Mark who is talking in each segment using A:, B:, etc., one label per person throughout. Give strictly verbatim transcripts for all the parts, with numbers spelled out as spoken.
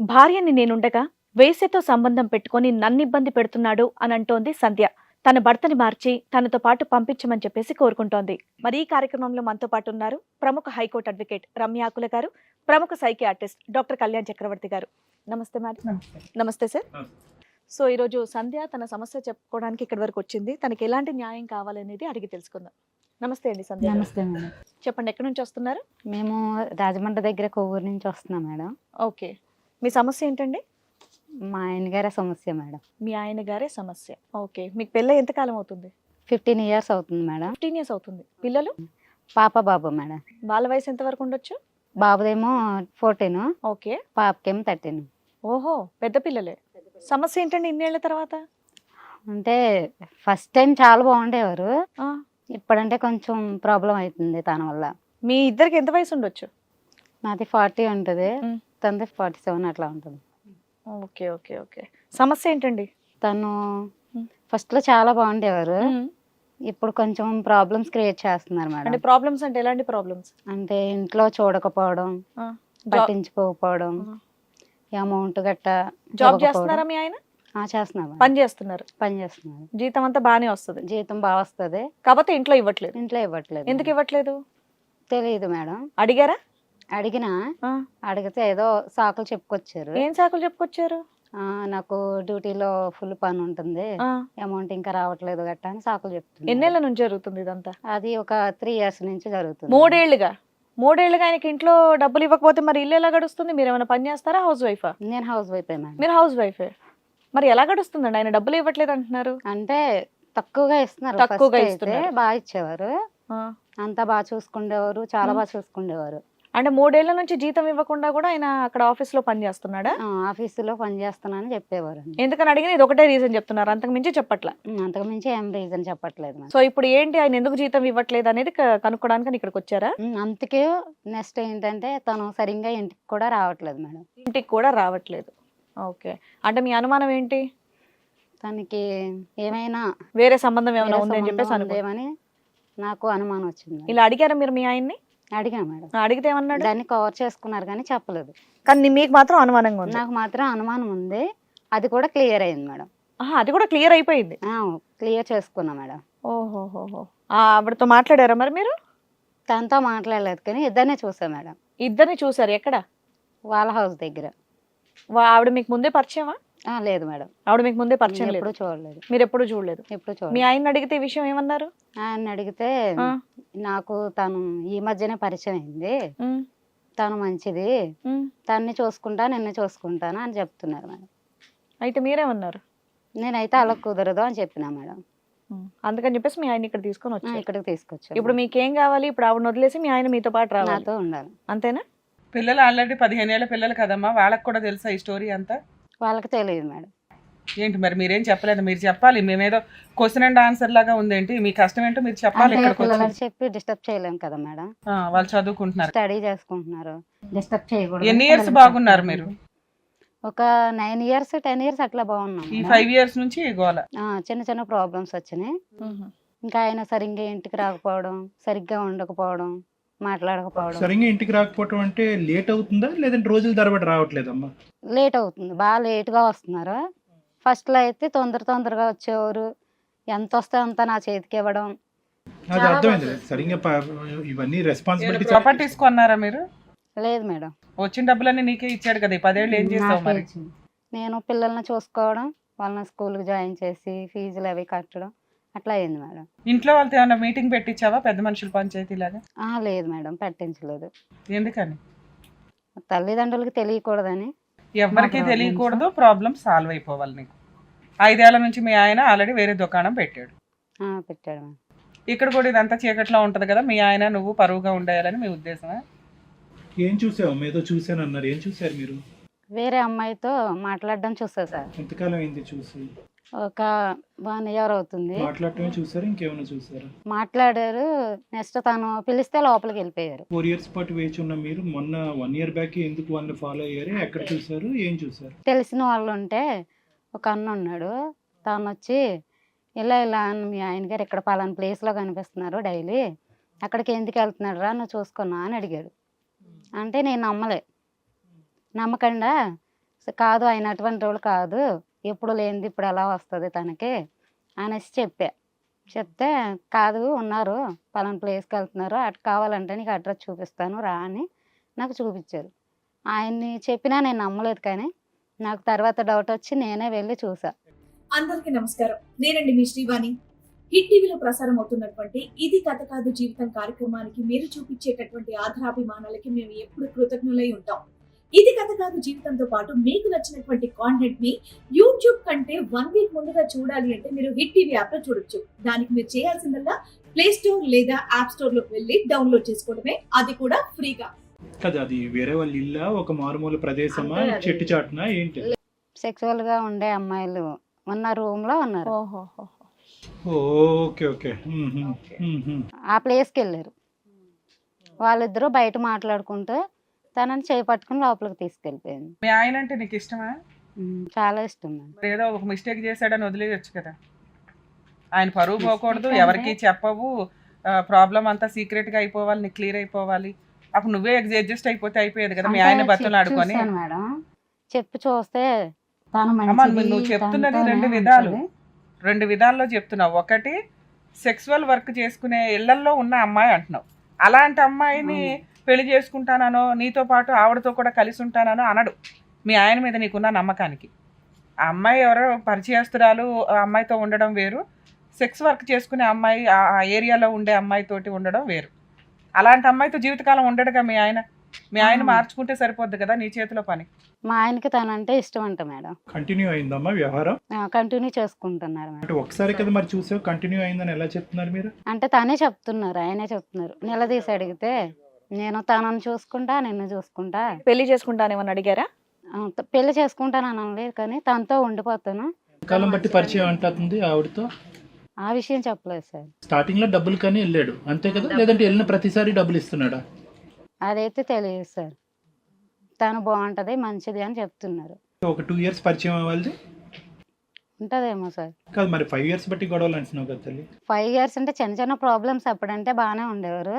A: భార్యని నేనుండగా వేశ్యతో సంబంధం పెట్టుకొని నన్నిబ్బంది పెడుతున్నాడు అని అంటోంది సంధ్య. తన భర్తని మార్చి తనతో పాటు పంపించమని చెప్పేసి కోరుకుంటోంది. మరి ఈ కార్యక్రమంలో మనతో పాటు ఉన్నారు ప్రముఖ హైకోర్టు అడ్వకేట్ రమ్యాకుల గారు, ప్రముఖ సైకియాట్రిస్ట్ డాక్టర్ కళ్యాణ్ చక్రవర్తి గారు. నమస్తే మేడం. నమస్తే సార్. సో ఈరోజు సంధ్య తన సమస్య చెప్పుకోవడానికి ఇక్కడి వరకు వచ్చింది. తనకి ఎలాంటి న్యాయం కావాలనేది అడిగి తెలుసుకుందాం. నమస్తే అండి సంధ్య.
B: నమస్తే మేడం.
A: చెప్పండి, ఎక్కడి నుంచి వస్తున్నారు?
B: మేము రాజమండ్రి దగ్గర కొవ్వూరు నుంచి వస్తున్నాం మేడం.
A: ఓకే, మీ సమస్య ఏంటండి?
B: మా ఆయన గారి సమస్య మేడం.
A: మీ ఆయన గారే సమస్య. ఓకే, మీకు పెళ్ళి ఎంతకాలం అవుతుంది?
B: ఫిఫ్టీన్ ఇయర్స్ అవుతుంది మేడం.
A: ఫిఫ్టీన్ ఇయర్స్ అవుతుంది. పిల్లలు?
B: పాప బాబు మేడం.
A: వాళ్ళ వయసు ఎంత వరకు ఉండొచ్చు?
B: బాబుదేమో ఫోర్టీన్,
A: ఓకే,
B: పాపకేమో థర్టీన్.
A: ఓహో, పెద్ద పిల్లలే. సమస్య ఏంటండి ఇన్నేళ్ల తర్వాత?
B: అంటే ఫస్ట్ టైం చాలా బాగుండేవారు,
A: ఆ,
B: ఇప్పుడంటే కొంచెం ప్రాబ్లం అవుతుంది తన వల్ల.
A: మీ ఇద్దరికి ఎంత వయసు ఉండొచ్చు?
B: నాది ఫార్టీ ఉంటుంది,
A: మ్.
B: తనది ఫార్టీ సెవెన్ అట్లా ఉంటుంది.
A: ఓకే ఓకే ఓకే సమస్య ఏంటండి?
B: తను
A: మ్.
B: ఫస్ట్ లో చాలా బాగుండేవారు,
A: మ్.
B: ఇప్పుడు కొంచెం ప్రాబ్లమ్స్ క్రియేట్ చేస్తున్నారు
A: అంటే
B: మేడం.
A: ప్రాబ్లమ్స్ అంటే ఎలాంటి ప్రాబ్లమ్స్?
B: అంటే ఇంట్లో చూడకపోవడం, పట్టించుకోకపోవడం, అమౌంట్ గట్ట
A: జాబ్ చేస్తున్నారా మీ ఆయన?
B: చేస్తున్నారు,
A: పని చేస్తున్నారు.
B: పని చేస్తున్నారు.
A: జీతం అంతా బానే వస్తుంది,
B: జీతం బాగా వస్తుంది,
A: కాకపోతే ఇంట్లో ఇవ్వట్లేదు.
B: ఇంట్లో ఇవ్వట్లేదు.
A: ఎందుకు ఇవ్వట్లేదు?
B: తెలియదు మేడం.
A: అడిగారా?
B: అడిగినా,
A: ఆ,
B: అడిగితే ఏదో సాకులు చెప్పుకొచ్చారు.
A: ఏం సాకులు చెప్పుకొచ్చారు?
B: ఆ, నాకు డ్యూటీలో ఫుల్ పని ఉంటుంది,
A: ఆ,
B: అమౌంట్ ఇంకా రావట్లేదు గట్ట అని సాకులు చెప్తుంది.
A: ఎన్నేళ్ల నుంచి జరుగుతుంది ఇదంతా?
B: అది ఒక త్రీ ఇయర్స్ నుంచి జరుగుతుంది.
A: మూడేళ్లుగా. మూడేళ్లుగా ఆయనకి ఇంట్లో డబ్బులు ఇవ్వకపోతే మరి ఇల్లు ఎలా గడుస్తుంది? మీరు ఏమైనా పని చేస్తారా? హౌస్ వైఫా?
B: నేను హౌస్ వైఫ్ మేడం.
A: మీరు హౌస్ వైఫే, మరి ఎలా గడుస్తుందండి? ఆయన డబ్బులు ఇవ్వట్లేదు అంటున్నారు.
B: అంటే తక్కువగా ఇస్తున్నారు.
A: తక్కువగా
B: First అయితే
A: ఇస్తున్నారు.
B: బాగా ఇచ్చేవారు,
A: ఆ,
B: అంతా బాగా చూసుకుండేవారు, చాలా
A: మ్.
B: బాగా చూసుకుండేవారు.
A: అంటే మూడేళ్ల నుంచి జీతం ఇవ్వకుండా కూడా ఆయన అక్కడ ఆఫీస్ లో పని చేస్తున్నాడా?
B: ఆ, ఆఫీసులో పని చేస్తున్నానని చెప్పేవారు.
A: ఎందుకని అడిగిన ఇది ఒకటే రీజన్ చెప్తున్నారు, అంతకు మించి చెప్పట్లా.
B: అంతకు మించి ఏం రీజన్ చెప్పట్లేదు మేడం.
A: సో ఇప్పుడు ఏంటి, ఆయన ఎందుకు జీతం ఇవ్వట్లేదు అనేది క- కనుక్కోడానికి ఇక్కడికి వచ్చారా?
B: ఉమ్, అందుకే నెక్స్ట్ ఏంటంటే తను సరిగ్గా ఇంటికి కూడా రావట్లేదు మేడం.
A: ఇంటికి కూడా రావట్లేదు. ఓకే, అంటే మీ అనుమానం ఏంటి?
B: తనకి ఏమైనా
A: వేరే సంబంధం ఏమైనా
B: వేరే
A: ఉంది అని చెప్పేసి
B: సంబంధం
A: అనుకో.
B: ఉందేమని నాకు అనుమానం వచ్చింది.
A: ఇలా అడిగారా మీరు మీ ఆయన్ని?
B: అడిగా మేడం.
A: ఆ, అడిగితే ఏమన్నాడు?
B: దాన్ని కవర్ చేసుకున్నారు కానీ చెప్పలేదు.
A: కానీ మీకు మాత్రం అనుమానంగా ఉంది.
B: నాకు మాత్రం అనుమానం ఉంది, అది కూడా క్లియర్ అయింది మేడం.
A: ఆహా, అది కూడా క్లియర్ అయిపోయింది.
B: క్లియర్ చేసుకున్నా మేడం.
A: ఓహోహోహో, ఆ, ఆవిడతో మాట్లాడారా మరి మీరు?
B: తనతో మాట్లాడలేదు కానీ ఇద్దరినే చూసా మేడం.
A: ఇద్దరిని చూసారు ఎక్కడ?
B: వాళ్ళ హౌస్ దగ్గర.
A: వా- ఆవిడ మీకు ముందే పరిచయమా?
B: ఆ, లేదు మేడం,
A: ఆవిడ మీకు ముందే పరిచయం లేదు,
B: ఎప్పుడు చూడలేదు.
A: మీరు ఎప్పుడు చూడలేదు.
B: ఎప్పుడు
A: మీ
B: చూడలేదు.
A: ఆయన అడిగితే ఈ విషయం ఏమన్నారు?
B: ఆయన అడిగితే
A: ఆ,
B: నాకు తను ఈ మధ్యనే పరిచయం అయింది,
A: ఉమ్,
B: తను మంచిది,
A: ఉమ్.
B: తన్ని చూసుకుంటా నిన్ను చూసుకుంటాను అని చెప్తున్నారు మేడం.
A: అయితే మీరేమన్నారు?
B: నేనైతే అలా కుదరదు అని చెప్పినా మేడం.
A: ఉమ్, అందుకని చెప్పేసి మీ ఆయన ఇక్కడ తీసుకొని
B: ఆ,
A: వచ్చారు.
B: ఇక్కడికి తీసుకొచ్చాను.
A: ఇప్పుడు మీకేం కావాలి? ఇప్పుడు ఆవిడ వదిలేసి మీ ఆయన మీతో పాటు రావాలి,
B: నాతో ఉండాలి.
A: అంతేనా?
C: పిల్లలు ఆల్రెడీ పదిహేను ఏళ్ళ పిల్లలు కదమ్మా, వాళ్ళకి కూడా తెలుసా ఈ స్టోరీ అంతా?
B: వాళ్ళకి తెలియదు మేడం.
C: ఏంటి మరి మీరేం చెప్పలేదు? మీరు చెప్పాలి, మేమేదో క్వశ్చన్ అండ్ ఆన్సర్ లాగా ఉందేంటి? మీ కష్టం ఏంటో మీరు చెప్పాలి.
B: అంటే
C: ఇక్కడికి
B: పిల్లలకి
C: వచ్చి
B: చెప్పి డిస్టర్బ్ చేయలేం కదా మేడం.
C: ఆ, వాళ్ళు చదువుకుంటున్నారు.
B: స్టడీ చేసుకుంటున్నారు, డిస్టర్బ్ చేయకూడదు.
C: ఎన్ని ఇయర్స్ బాగున్నారు మీరు?
B: ఒక నైన్ ఇయర్స్ టెన్ ఇయర్స్ అట్లా బాగున్నాం
C: ఈ
B: మేడం.
C: ఫైవ్ ఇయర్స్ నుంచి గోల.
B: ఆ, చిన్న చిన్న ప్రాబ్లమ్స్ వచ్చినాయి.
A: ఉహు.
B: ఇంకా ఆయన సరిగ్గా ఇంటికి రాకపోవడం, సరిగ్గా ఉండకపోవడం, మాట్లాడకపోవడం.
D: సరిగ్గా ఇంటికి రాకపోవటం అంటే లేట్ అవుతుందా లేదంటే రోజుల తరబడి రావట్లేదమ్మా?
B: లేట్ అవుతుంది, బాగా లేట్గా వస్తున్నారు. ఫస్ట్లో అయితే తొందర తొందరగా వచ్చేవారు, ఎంత వస్తే అంత నా చేతికి ఇవ్వడం.
D: అది అర్థమైంది. సరిగ్గా ప- ఇవన్నీ రెస్పాన్సిబిలిటీ
C: ప్రాపర్టీస్ కొన్నారా మీరు?
B: లేదు మేడం.
C: వచ్చిన డబ్బులన్నీ నీకే ఇచ్చాడు కదా, ఈ పదేళ్ళు ఏం చేస్తావు
B: నాకే
C: మరి?
B: ఇచ్చింది. నేను పిల్లల్ని చూసుకోవడం, వాళ్ళని స్కూల్కి జాయిన్ చేసి ఫీజులు అవి కట్టడం అట్లా అయింది మేడం.
C: ఇంట్లో వాళ్ళతో ఏమైనా మీటింగ్ పెట్టించావా, పెద్ద మనుషుల పంచాయతీ లాగా?
B: ఆ, లేదు మేడం, పెట్టించలేదు.
C: ఎందుకని?
B: తల్లిదండ్రులకి తెలియకూడదని.
C: ఎవరికి
B: మా
C: తెలియకూడదు, ప్రాబ్లం సాల్వ్ అయిపోవాలి నీకు. ఐదేళ్ల నుంచి మీ ఆయన ఆల్రెడీ వేరే దుకాణం పెట్టాడు,
B: ఆ, పెట్టాడు మేడం.
C: ఇక్కడ కూడా ఇదంతా చీకట్లో ఉంటది కదా, మీ ఆయన నువ్వు పరువుగా ఉండేయాలని మీ ఉద్దేశమా?
D: ఏం చూసావు? ఏదో చూసాను అన్నారు. ఏం చూసారు మీరు?
B: వేరే అమ్మాయితో మాట్లాడడం చూసా సార్.
D: ఎంతకాలం అయింది చూసి?
B: ఒక వన్ ఇయర్ అవుతుంది.
D: మాట్లాడటమే చూసారు, ఇంకేమైనా చూసారా?
B: మాట్లాడారు, నెక్స్ట్ తను పిలిస్తే లోపలికి వెళ్ళిపోయారు.
D: ఫోర్ ఇయర్స్ పాటు వేచి ఉన్న మీరు మొన్న వన్ ఇయర్ బ్యాక్ ఎందుకు వాళ్ళని ఫాలో అయ్యారు? ఎక్కడ చూసారు? ఏం చూసారు?
B: తెలిసిన వాళ్ళు ఉంటే ఒక అన్న ఉన్నాడు, తను వచ్చి ఇలా ఇలా అని మీ ఆయన గారు ఇక్కడ పలానా ప్లేస్లో కనిపిస్తున్నారు డైలీ, అక్కడికి ఎందుకు వెళ్తున్నాడు రా నువ్వు చూసుకున్నా అని అడిగాడు. అంటే నేను నమ్మలే, నమ్మకుండా సో కాదు ఆయన అటువంటి రోజులు కాదు, ఎప్పుడు లేనిది ఇప్పుడు ఎలా వస్తుంది తనకి అనేసి చెప్పా. చెప్తే కాదు ఉన్నారు పలానా ప్లేస్కి వెళ్తున్నారు, అటు కావాలంటే నీకు అడ్రస్ చూపిస్తాను రా అని నాకు చూపించారు. ఆయన్ని చెప్పినా నేను నమ్మలేదు, కానీ నాకు తర్వాత డౌట్ వచ్చి నేనే వెళ్ళి చూసా.
E: అందరికీ నమస్కారం, నేనండి మీ శ్రీవాణి. హిట్ టీవీలో ప్రసారం అవుతున్నటువంటి ఇది కథ కాదు జీవితం కార్యక్రమానికి మీరు చూపించేటటువంటి ఆధారాభిమానాలకి మేము ఎప్పుడు కృతజ్ఞులై ఉంటాం. ఇది కథ కాదు జీవితంతో పాటు మీకు నచ్చినటువంటి కాంటెంట్ ని యూట్యూబ్ కంటే వన్ వీక్ ముందుగా చూడాలి అంటే మీరు హిట్ టీవీ యాప్ లో చూడొచ్చు. దానికి మీరు చేయాల్సిందల్లా ప్లే స్టోర్ లేదా యాప్ స్టోర్ లోకి వెళ్ళి డౌన్లోడ్ చేసుకోవడమే, అది కూడా ఫ్రీగా.
D: కదా అది వేరే వాళ్ళ ఇల్లా, ఒక మారుమూల ప్రదేశమా,
E: అంటే అది-
D: చెట్టు చాటునా ఏంటి?
B: సెక్సువల్ గా ఉండే అమ్మాయిలు ఉన్న రూమ్ లో ఉన్నారు.
A: ఓహో.
D: Okay okay. మ్మ్హ. మ్మ్హ.
B: ఆ ప్లేస్కి వెళ్ళారు. వాళ్ళిద్దరూ బయట మాట్లాడుకుంటూ తనని చేయి పట్టుకుని లోపలికి తీసుకెళ్ళిపోయింది.
C: మీ ఆయన అంటే నీకు ఇష్టమా?
B: ఉమ్, చాలా ఇష్టం నాకు.
C: మరి ఏదో ఒక మిస్టేక్ చేశాడని వదిలేయచ్చు కదా. ఆయన పరువు పోకూడదు,
B: Mistake
C: ఎవరికి
B: అంటే-
C: చెప్పవు, ప్రాబ్లం అంతా సీక్రెట్ గా అయిపోవాలి, నీకు క్లియర్ అయిపోవాలి. అప్పుడు నువ్వే అడ్జస్ట్ అయిపోతే అయిపోయేది కదా. మీ
B: అంటే
C: ఆయన బతులు
B: చెప్పి
C: ఆడుకొని.
B: చూశాను మేడం, చెప్పి చూస్తే తను
C: అమ్మా
B: మంచిది,
C: నువ్వు చెప్తున్నది
B: తనతోనే
C: రెండు విధాలు
B: ఉంటది.
C: రెండు విధాల్లో చెప్తున్నావు. ఒకటి సెక్సువల్ వర్క్ చేసుకునే ఇళ్లల్లో ఉన్న అమ్మాయి అంటున్నావు. అలాంటి అమ్మాయిని పెళ్లి చేసుకుంటానో నీతో పాటు ఆవిడతో కూడా కలిసి ఉంటానో అనడు మీ ఆయన మీద నీకున్న నమ్మకానికి. ఆ అమ్మాయి ఎవరో పరిచయస్తురాలు, ఆ అమ్మాయితో ఉండడం వేరు, సెక్స్ వర్క్ చేసుకునే అమ్మాయి ఆ ఏరియాలో ఉండే అమ్మాయితోటి ఉండడం వేరు. అలాంటి అమ్మాయితో జీవితకాలం ఉండడుగా మీ ఆయన. మీ ఆయన మార్చుకుంటే సరిపోద్ది కదా, నీ చేతిలో పని.
B: మా ఆయనకి తనంటే ఇష్టం అంట మేడం,
D: కంటిన్యూ అయిందమ్మా వ్యవహారం?
B: కంటిన్యూ చేసుకుంటున్నారు మేడం.
D: అంటే ఒకసారి కదా మరి చూసావు, కంటిన్యూ అయిందని ఎలా చెప్తున్నారు మీరు?
B: అంటే తనే చెప్తున్నారు, ఆయనే చెప్తున్నారు. నిలదీసి అడిగితే నేను తనని చూసుకుంటా నిన్ను చూసుకుంటా,
A: పెళ్లి చేసుకుంటానేమని అడిగారా?
B: ఆ, త- పెళ్లి చేసుకుంటానని అనలేదు, కానీ తనతో ఉండిపోతాను.
D: కాలం బట్టి పరిచయం అంటుంది ఆవిడతో.
B: ఆ విషయం చెప్పలేదు సార్.
D: స్టార్టింగ్ లో డబ్బులు కానీ వెళ్ళాడు అంతే కదా, లేదంటే వెళ్ళిన ప్రతిసారి డబ్బులు ఇస్తున్నాడా?
B: అదైతే తెలియదు సార్. తను బాగుంటది మంచిది అని చెప్తున్నారు.
D: ఒక టూ ఇయర్స్ పరిచయం అవ్వాలి
B: ఉంటదేమో సార్.
D: కాదు మరి ఫైవ్ ఇయర్స్ బట్టి గొడవలు అంటున్నావు కదా తల్లి.
B: ఫైవ్ ఇయర్స్ అంటే చిన్న చిన్న ప్రాబ్లమ్స్ అప్పుడంటే బాగానే ఉండేవారు.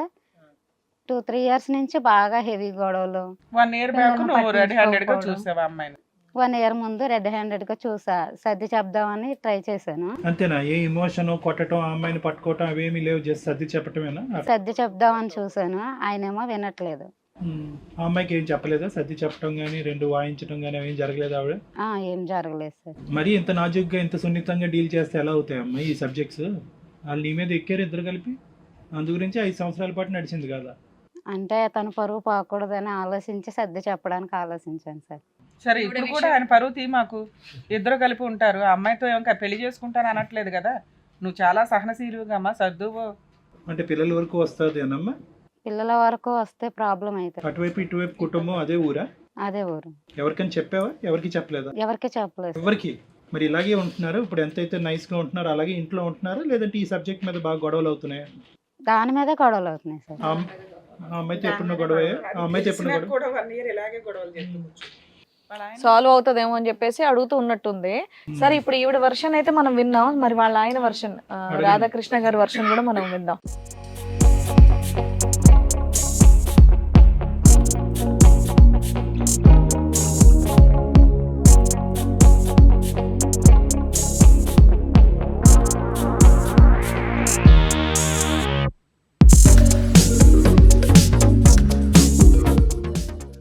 B: టూ త్రీ ఇయర్స్ నుంచి బాగా హెవీ గొడవలు.
C: వన్ ఇయర్ బ్యాక్
B: పిల్లల్ని
C: నువ్వు రెడీ హ్యాండెడ్ గా
B: పట్టించుకోకపోవడం.
C: చూసావా అమ్మాయిని?
B: వన్ ఇయర్ ముందు రెడ్ హ్యాండెడ్ గా చూసా, సర్ది చెప్దామని ట్రై చేశాను.
D: అంతేనా? ఏ ఇమోషన్ కొట్టడం, ఆ అమ్మాయిని పట్టుకోవటం అవేమీ లేవు, జస్ట్ సర్ది చెప్పటమేనా?
B: సర్ది చెప్దామని చూసాను, ఆయనేమో వినట్లేదు.
D: ఉమ్. ఆ అమ్మాయికి ఏం చెప్పలేదా? సర్ది చెప్పడం కానీ రెండు వాయించడం కానీ అవేం జరగలేదు ఆవిడ?
B: ఆ, ఏం జరగలేదు సార్.
D: మరి ఇంత నాజుగ్గా ఇంత సున్నితంగా డీల్ చేస్తే ఎలా అవుతాయి అమ్మాయి ఈ సబ్జెక్ట్స్? వాళ్ళు నీ మీద ఎక్కారు ఇద్దరు కలిపి, అందు గురించి ఐదు సంవత్సరాల పాటు నడిచింది కదా.
B: అంటే తను పరువు పోకూడదని ఆలోచించి సర్ది చెప్పడానికి ఆలోచించాను సార్.
C: సరే ఇప్పుడు కూడా ఆయన పరువు తీ మాకు. ఇద్దరు కలిపి ఉంటారు, ఆ అమ్మాయితో ఇంకా పెళ్లి చేసుకుంటాను అనట్లేదు కదా. నువ్వు చాలా సహనశీలుగా అమ్మా, సర్దువు.
D: అంటే పిల్లల వరకు వస్తుంది అనమ్మా?
B: పిల్లల వరకు వస్తే ప్రాబ్లం అవుతుంది.
D: అటువైపు ఇటువైపు కుటుంబం అదే ఊరా?
B: అదే ఊరు.
D: ఎవరికైనా చెప్పావా? ఎవరికి చెప్పలేదా?
B: ఎవరికి చెప్పలేదు.
D: ఎవరికి? మరి ఇలాగే ఉంటున్నారు ఇప్పుడు, ఎంతైతే నైస్ గా ఉంటున్నారో అలాగే ఇంట్లో ఉంటున్నారా, లేదంటే ఈ సబ్జెక్ట్ మీద బాగా గొడవలు అవుతున్నాయా?
B: దాని మీదే గొడవలు అవుతున్నాయి సార్.
D: ఆ అమ్- ఆ అమ్మాయితో ఎప్పుడున్న గొడవ? ఆ అమ్మాయితో ఎప్పుడు గొడవ?
C: కూడా వన్ ఇయర్ ఇలాగే గొడవలు చేసుకోవచ్చు. వాళ్ళ ఆయన-
A: సాల్వ్ అవుతుందేమో అని చెప్పేసి అడుగుతూ ఉన్నట్టుంది. సరే ఇప్పుడు ఈవిడ వర్షన్ అయితే మనం విన్నాం, మరి వాళ్ళ ఆయన వర్షన్
D: అడగండి.
A: రాధాకృష్ణ గారి వర్షన్ కూడా మనం విందాం.